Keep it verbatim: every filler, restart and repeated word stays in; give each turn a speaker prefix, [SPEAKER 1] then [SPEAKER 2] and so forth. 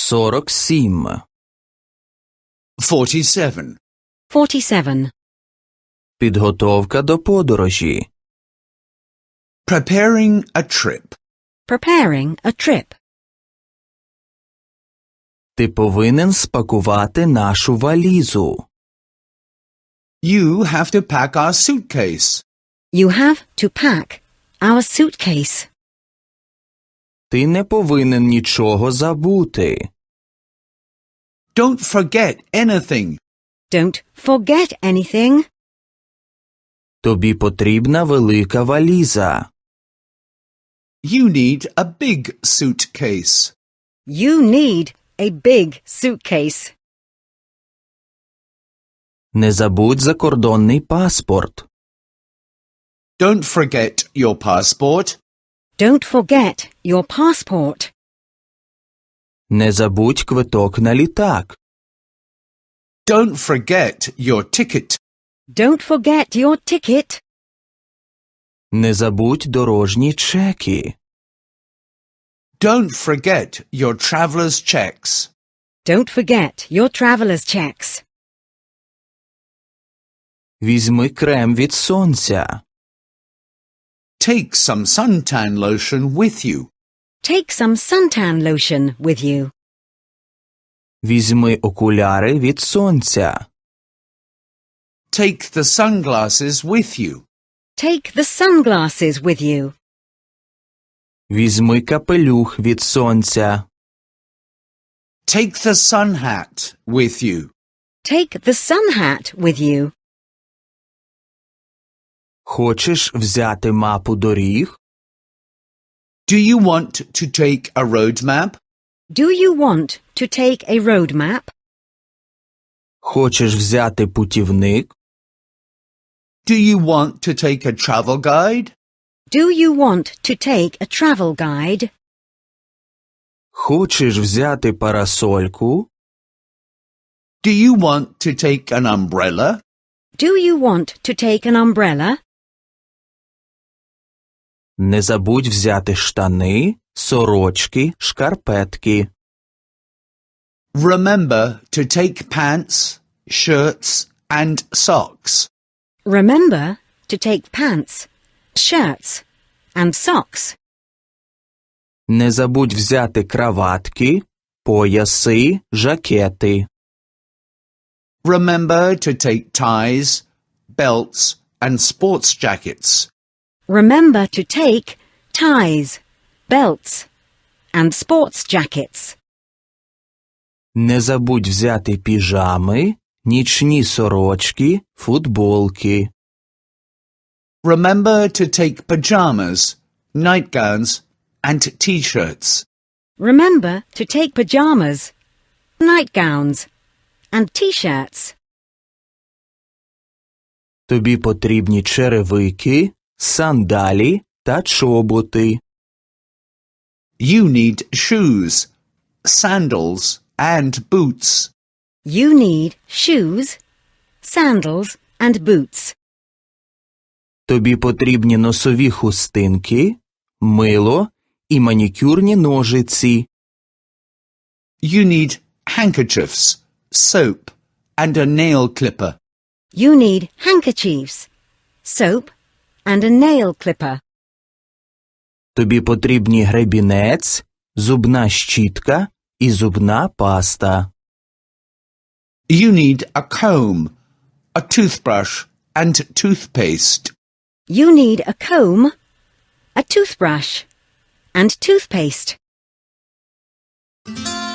[SPEAKER 1] сорок сім.
[SPEAKER 2] Forty-seven.
[SPEAKER 3] Forty-seven.
[SPEAKER 1] Підготовка до подорожі.
[SPEAKER 2] Preparing a trip.
[SPEAKER 3] Preparing a trip.
[SPEAKER 1] Ти повинен спакувати нашу валізу.
[SPEAKER 2] You have to pack our suitcase.
[SPEAKER 3] You have to pack our suitcase.
[SPEAKER 1] Ти не повинен нічого забути.
[SPEAKER 2] Don't forget anything.
[SPEAKER 3] Don't forget anything.
[SPEAKER 1] Тобі потрібна велика валіза.
[SPEAKER 2] You need a big suitcase.
[SPEAKER 3] You need a big suitcase.
[SPEAKER 1] Не забудь закордонний паспорт.
[SPEAKER 2] Don't forget your passport.
[SPEAKER 3] Don't forget your passport.
[SPEAKER 1] Не забудь квиток на літак.
[SPEAKER 2] Don't forget your ticket.
[SPEAKER 3] Don't forget your ticket.
[SPEAKER 1] Не забудь дорожні чеки.
[SPEAKER 2] Don't forget your traveler's checks.
[SPEAKER 3] Don't forget your traveler's checks.
[SPEAKER 1] Візьми крем від сонця.
[SPEAKER 2] Take some suntan lotion with you.
[SPEAKER 3] Take some suntan lotion with you.
[SPEAKER 1] Візьми окуляри від сонця.
[SPEAKER 2] Take the sunglasses with you.
[SPEAKER 3] Take the sunglasses with you.
[SPEAKER 1] Візьми капелюх від сонця.
[SPEAKER 2] Take the sun hat with you.
[SPEAKER 3] Take the sun hat with you.
[SPEAKER 1] Хочеш взяти мапу доріг?
[SPEAKER 2] Do you want to take a road map?
[SPEAKER 3] Do you want to take a road map?
[SPEAKER 1] Хочеш взяти путівник?
[SPEAKER 2] Do you want to take a travel guide?
[SPEAKER 3] Do you want to take a travel guide?
[SPEAKER 1] Хочеш взяти парасольку?
[SPEAKER 2] Do you want to take an umbrella?
[SPEAKER 3] Do you want to take an umbrella?
[SPEAKER 1] Не забудь взяти штани, сорочки, шкарпетки.
[SPEAKER 2] Remember to take pants, shirts, and socks.
[SPEAKER 3] Remember to take pants, shirts, and socks.
[SPEAKER 1] Не забудь взяти краватки, пояси, жакети.
[SPEAKER 2] Remember to take ties, belts, and sports jackets.
[SPEAKER 3] Remember to take ties, belts, and sports jackets.
[SPEAKER 1] Не забудь взяти піжами, нічні сорочки, футболки.
[SPEAKER 2] Remember to take pajamas, nightgowns, and t-shirts.
[SPEAKER 3] Remember to take pajamas, nightgowns, and t-shirts.
[SPEAKER 1] Тобі потрібні черевики, сандалі та чоботи.
[SPEAKER 2] You need shoes, sandals, and boots.
[SPEAKER 3] You need shoes, sandals, and boots.
[SPEAKER 1] Тобі потрібні носові хустинки, мило і манікюрні ножиці.
[SPEAKER 2] You need handkerchiefs, soap, and a nail clipper.
[SPEAKER 3] You need handkerchiefs, soap, and a nail clipper.
[SPEAKER 1] Тобі потрібні гребінець, зубна щітка і зубна паста.
[SPEAKER 2] You need a comb, a toothbrush, and toothpaste.
[SPEAKER 3] You need a comb, a toothbrush, and toothpaste.